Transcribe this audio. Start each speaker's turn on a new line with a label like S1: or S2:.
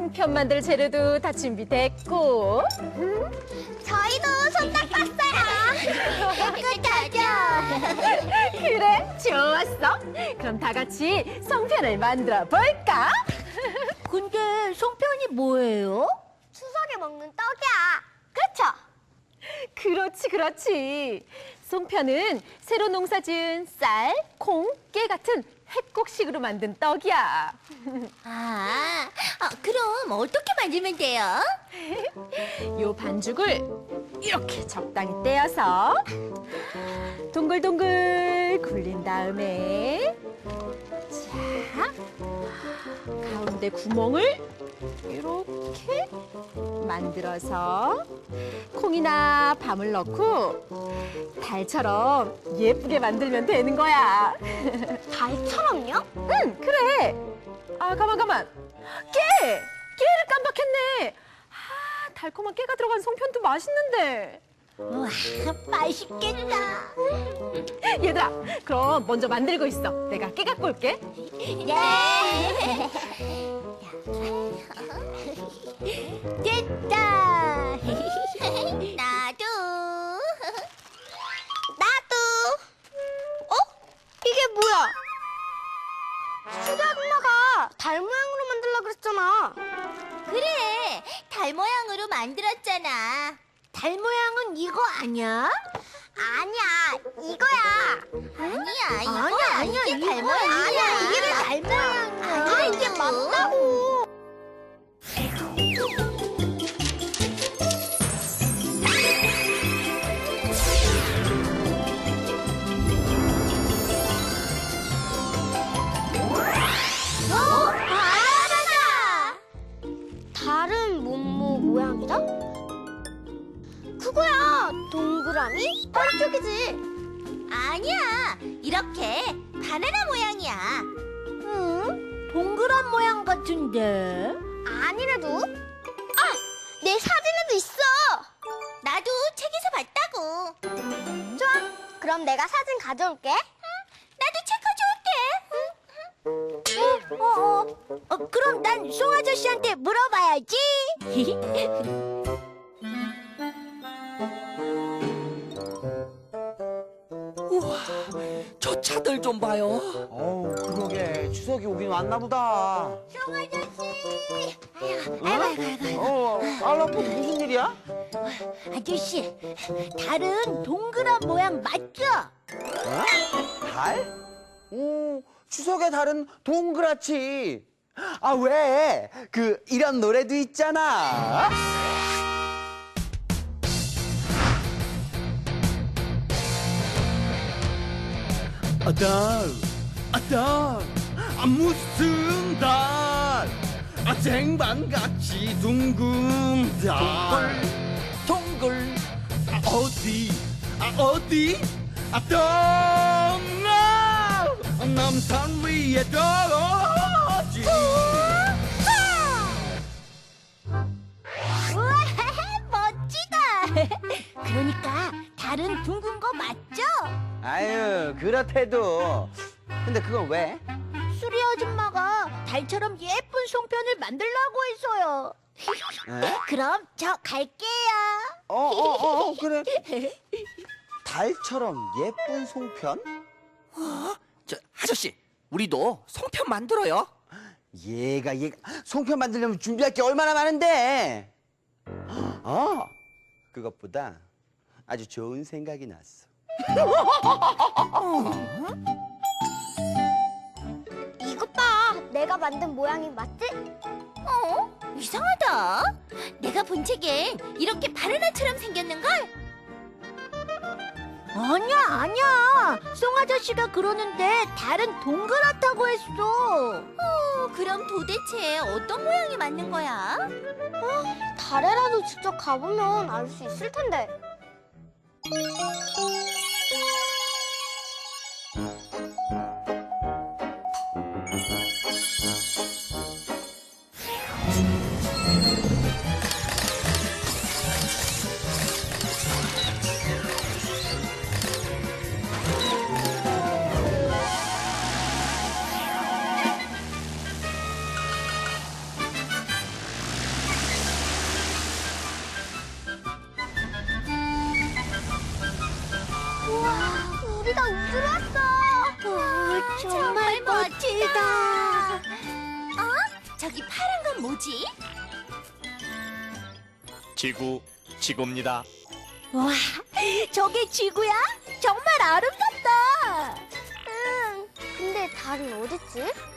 S1: 송편 만들 재료도 다 준비됐고.
S2: 저희도 손 닦았어요. 깨끗하죠?
S1: 그래, 좋았어. 그럼 다 같이 송편을 만들어 볼까?
S3: 근데 송편이 뭐예요?
S2: 추석에 먹는 떡이야. 그렇죠?
S1: 그렇지, 그렇지. 송편은 새로 농사지은 쌀, 콩, 깨 같은 햇곡식으로 만든 떡이야.
S3: 그럼 어떻게 만들면 돼요?
S1: 요 반죽을 이렇게 적당히 떼어서 동글동글 굴린 다음에 자, 가운데 구멍을 이렇게 만들어서 콩이나 밤을 넣고 달처럼 예쁘게 만들면 되는 거야.
S2: 달처럼요?
S1: 응, 그래. 아, 가만. 깨를 깜빡했네. 아, 달콤한 깨가 들어간 송편도 맛있는데.
S3: 와, 맛있겠다.
S1: 얘들아, 그럼 먼저 만들고 있어. 내가 깨 갖고 올게.
S3: 네. 됐다.
S2: 나도. 어? 이게 뭐야? 수지 아줌마가 달 모양으로 만들려고 그랬잖아.
S3: 그래, 달 모양으로 만들었잖아. 달 모양은 이거 아니야?
S2: 아니야, 이거야.
S3: 아니야, 이거
S2: 아니야,
S3: 이게 달
S2: 이거
S3: 모양이야.
S2: 아니야, 이게 왜 달 모양이야? 아니야, 이게 맞다고. 알아라! 달은 모양이다? 그거야, 동그라미? 펄쭉이지.
S3: 아니야, 이렇게 바나나 모양이야.
S2: 동그란 모양 같은데? 아니래도? 내 사진에도 있어!
S3: 나도 책에서 봤다고.
S2: 좋아, 그럼 내가 사진 가져올게.
S3: 나도 책 가져올게.
S2: 그럼 난 송 아저씨한테 물어봐야지.
S4: 저 차들 좀 봐요.
S5: 어우, 그러게. 추석이 오긴 왔나 보다.
S2: 송 아저씨!
S5: 알라포 무슨 일이야?
S3: 아저씨, 달은 동그란 모양 맞죠?
S5: 달? 오, 추석의 달은 동그랗지. 아, 왜? 이런 노래도 있잖아.
S4: 달, 무슨 달? 쟁반같이 둥근 달. 동글, 어디? 남산 위에 떨어지.
S3: 우와, 멋지다. 그러니까 달은 둥근 거 맞죠?
S5: 아유, 그렇대도. 근데 그건 왜?
S3: 수리 아줌마가 달처럼 예쁜 송편을 만들라고 했어요.
S5: 에?
S3: 그럼 저 갈게요.
S5: 그래. 달처럼 예쁜 송편?
S4: 저 아저씨, 우리도 송편 만들어요.
S5: 얘가 송편 만들려면 준비할 게 얼마나 많은데. 그것보다 아주 좋은 생각이 났어.
S2: 이것 봐, 내가 만든 모양이 맞지?
S3: 이상하다. 내가 본 책엔 이렇게 바나나처럼 생겼는걸? 아니야. 송 아저씨가 그러는데 달은 동그랗다고 했어. 그럼 도대체 어떤 모양이 맞는 거야?
S2: 달에라도 직접 가보면 알 수 있을 텐데. 달이다.
S3: 어? 저기 파란 건 뭐지?
S6: 지구입니다.
S3: 와, 저게 지구야? 정말 아름답다.
S2: 근데 달은 어딨지?